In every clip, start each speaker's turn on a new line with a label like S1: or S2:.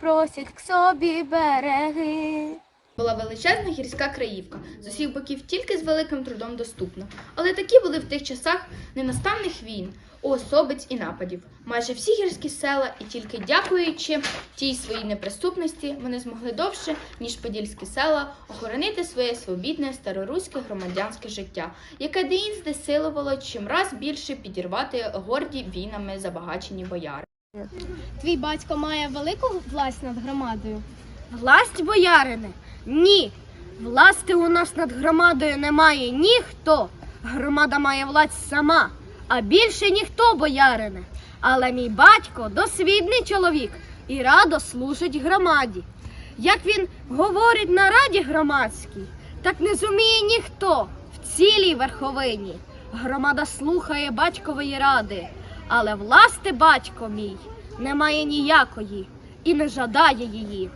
S1: просять к собі береги.
S2: Була величезна гірська краївка, з усіх боків тільки з великим трудом доступна. Але такі були в тих часах ненастанних війн, уособиць і нападів. Майже всі гірські села, і тільки дякуючи тій своїй неприступності, вони змогли довше, ніж подільські села, охоронити своє свобідне староруське громадянське життя, яке деінде силувало чимраз більше підірвати горді війнами забагачені бояри.
S1: Твій батько має велику власть над громадою?
S3: Власть, боярине? Ні. Власти у нас над громадою немає ніхто. Громада має власть сама, а більше ніхто, боярине. Але мій батько досвідний чоловік і радо служить громаді. Як він говорить на раді громадській, так не зуміє ніхто в цілій верховині. Громада слухає батькової ради, але власти батько мій не має ніякої і не жадає її.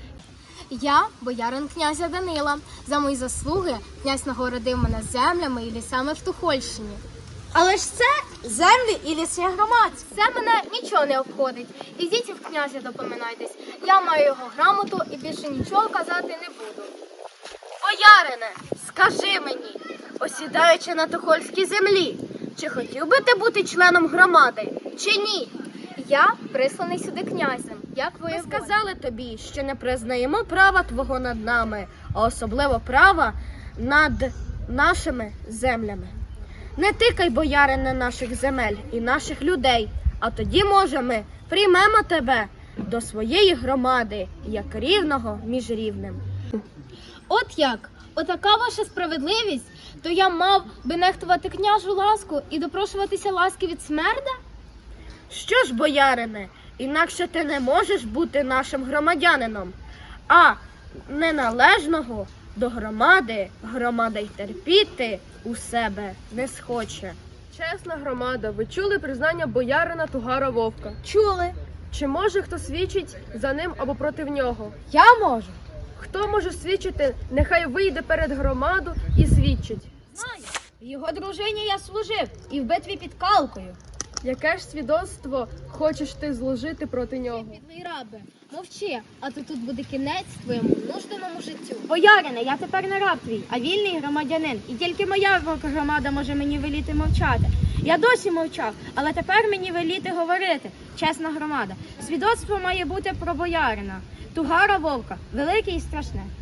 S1: Я боярин князя Данила. За мої заслуги князь нагородив мене землями і лісами в Тухольщині.
S3: Але ж це землі і ліси громадські.
S1: Це мене нічого не обходить. Ідіть в князя допоминайтесь. Я маю його грамоту і більше нічого казати не буду.
S3: Боярине, скажи мені, осідаючи на Тухольській землі, чи хотів би ти бути членом громади, чи ні?
S1: Я присланий сюди князем, як
S3: Ми
S1: воєвода.
S3: сказали тобі, що не признаємо права твого над нами, а особливо права над нашими землями. Не тикай, боярине, наших земель і наших людей, а тоді, може, ми приймемо тебе до своєї громади, як рівного між рівним.
S1: От як? Отака ваша справедливість? То я мав би нехтувати княжу ласку і допрошуватися ласки від смерда?
S3: Що ж, боярине, інакше ти не можеш бути нашим громадянином, а неналежного до громади громада й терпіти у себе не схоче.
S4: Чесна громада, ви чули признання боярина Тугара Вовка?
S3: Чули?
S4: Чи може хто свідчить за ним або проти нього?
S3: Я можу.
S4: Хто може свідчити, нехай вийде перед громаду і свідчить.
S1: Його дружині я служив і в битві під Калкою.
S4: Яке ж свідоцтво хочеш ти зложити проти нього?
S1: Підлий рабе, мовчи, а то тут буде кінець твоєму нужденому життю.
S3: Боярине, я тепер не раб твій, а вільний громадянин. І тільки моя громада може мені веліти мовчати. Я досі мовчав, але тепер мені веліти говорити. Чесна громада. Свідоцтво має бути про боярина. Тугара Вовка, велике і страшне.